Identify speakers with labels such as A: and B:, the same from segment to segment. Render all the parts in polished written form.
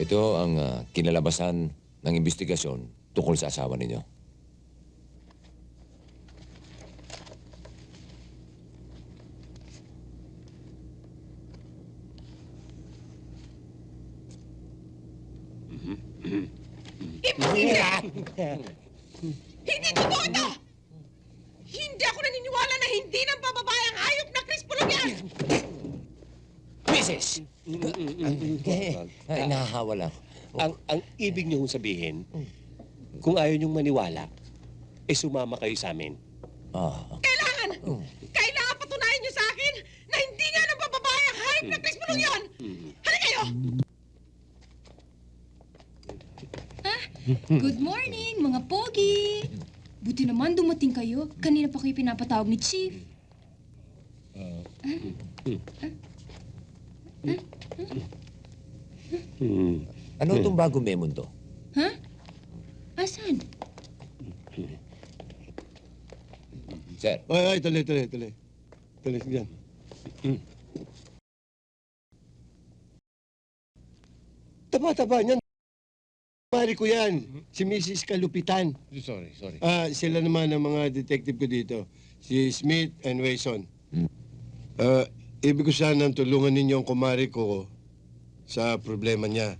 A: Ito ang kinalabasan ng investigasyon tungkol sa asawa ninyo.
B: Hindi totoo ito! Hindi ako naniniwala na hindi ng bababayang hayop na Chris Pulong yan!
A: Mrs. Ay, nahahawa lang.
C: Ang ibig niyo sabihin, kung ayaw niyong maniwala, sumama kayo sa amin.
B: Kailangan! Kailangan patunayan niyo sa akin na hindi nga ng bababayang hayop na Chris Pulong yan! Halika kayo!
D: Good morning, mga pogi! Buti naman dumating kayo. Kanina pa kayo pinapatawag ni Chief.
A: Ano itong bagong memo to?
D: Ha? Asan?
A: Sir,
E: Ay, tuloy. Tuloy, yan. Taba niyan. Mari ko yan. Si Mrs. Kalupitan.
F: Sorry.
E: Sila naman ang mga detective ko dito. Si Smith and Wayson. Ibig ko sanang tulungan ninyo ang kumari ko sa problema niya.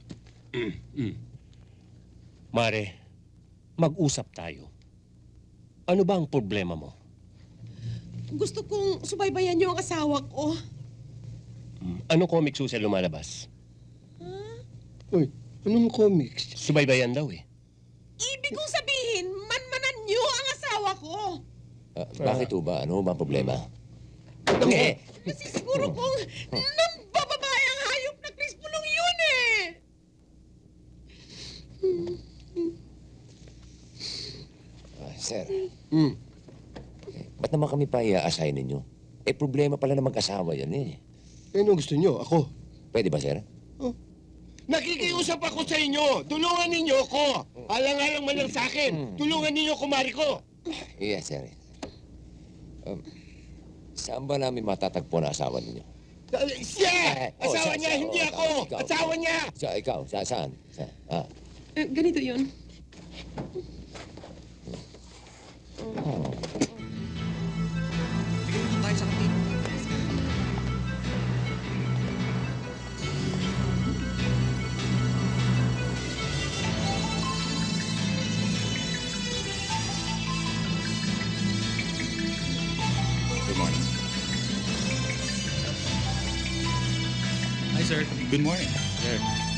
C: Mare, mag-usap tayo. Ano ba ang problema mo?
B: Gusto kong subaybayan niyo ang asawa ko.
C: Anong comic susi lumalabas?
E: Uy, anong comics?
C: Subaybayan daw eh.
B: Ibig kong sabihin, manmanan niyo ang asawa ko.
A: bakit ba? Ano ba ang problema?
B: Nasisiguro kong ng bababayang hayop na Chris Pulong yun eh!
A: Sir, ba't naman kami pa i-assign ninyo? Problema pala na mag-asawa yan eh.
E: Ano gusto niyo? Ako?
A: Pwede ba, sir?
E: Nakikiusap ako sa inyo. Tulungan ninyo ako. Alang-alang man lang sa akin. Tulungan ninyo kumari ko.
A: Yes, sir. Saan ba namin matatagpo na asawa ninyo?
E: Siya! Asawa niya, hindi ako!
A: ikaw.
E: Asawa niya!
A: Ikaw, saan?
B: Ganito yun.
F: Good morning. Hi, sir. Good morning. Sir.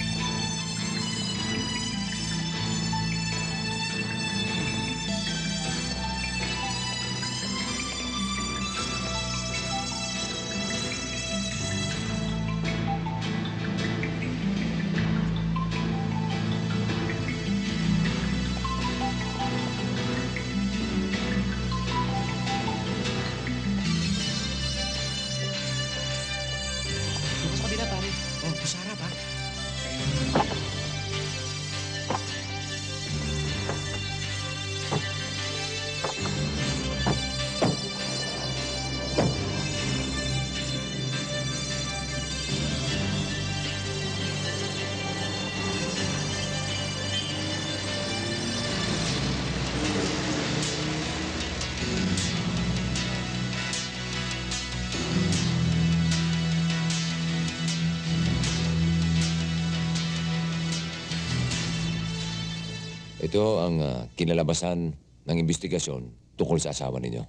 A: Ito ang kinalabasan ng investigasyon tungkol sa asawa ninyo.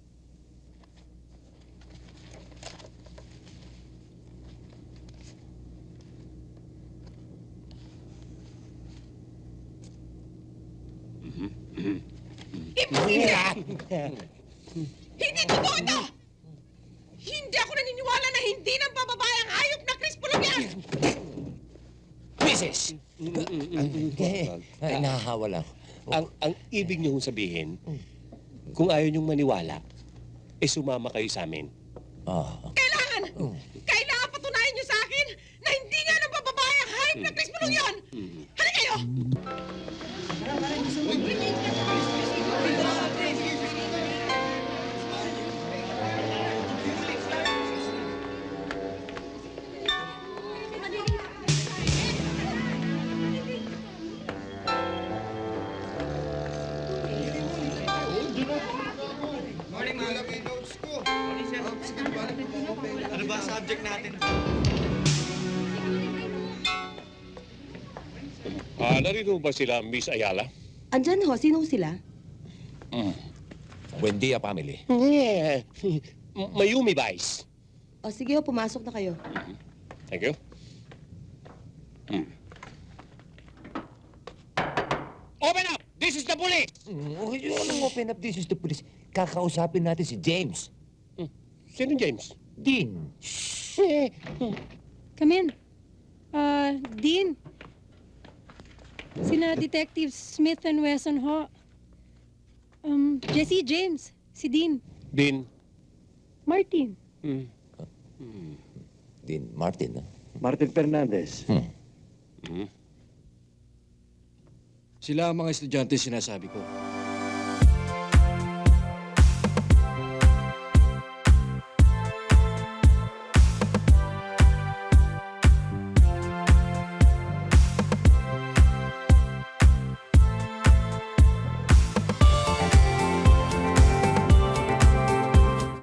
B: Hindi totoo ito! Hindi ako naniniwala na hindi ng bababayang hayop na Chris Pulong yan!
A: Mrs. Ay, nahahawa lang.
C: Ang ibig niyo sabihin, kung ayaw niyong maniwala, sumama kayo sa amin.
B: Kailangan! Kailangan patunayan niyo sa akin na hindi nga ng bababayang hayop na Chris Pulong yan! Halika kayo!
C: Narito ba sila, Miss Ayala?
G: Andyan ho, sino sila?
A: Buendia family.
C: Yeah. Mayumi Vice.
G: O sige ho, pumasok na kayo.
C: Thank you. Open up! This is the police!
A: Okay, yun, open up, this is the police. Kakausapin natin si James.
C: Sino James?
A: Dean.
H: Come in. Dean. Sina Detectives Smith and Wesson ho. Jesse James. Si Dean.
C: Dean.
H: Martin.
A: Dean Martin, ah.
I: Martin Fernandez.
F: Sila ang mga estudyante sinasabi ko.